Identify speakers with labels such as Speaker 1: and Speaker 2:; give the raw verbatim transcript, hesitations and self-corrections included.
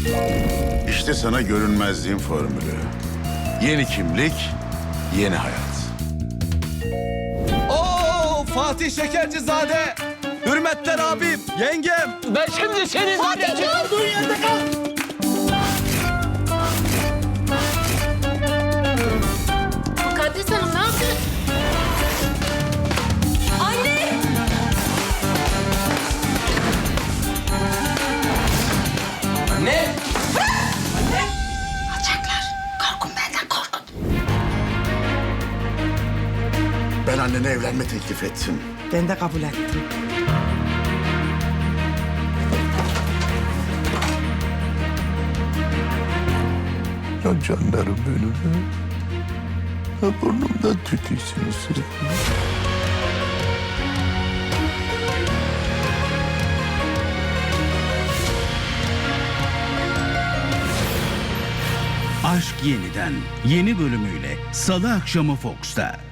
Speaker 1: İşte sana görünmezliğin formülü. Yeni kimlik, yeni hayat.
Speaker 2: Oo, Fatih Şekercizade. Hürmetler abim, yengem.
Speaker 3: Ben şimdi senin...
Speaker 4: Fatih dur! Dur yerde kal! Mukaddes Hanım ne yapıyorsun? Anne!
Speaker 3: Ne?
Speaker 4: Alçaklar. Korkun benden korkun.
Speaker 1: Ben annene evlenme teklif ettim.
Speaker 5: Ben de kabul ettim.
Speaker 6: Ya canlarım benim ya. Ya burnumdan tütüysünüz sürekli.
Speaker 7: Aşk Yeniden yeni bölümüyle Salı akşamı Fox'ta.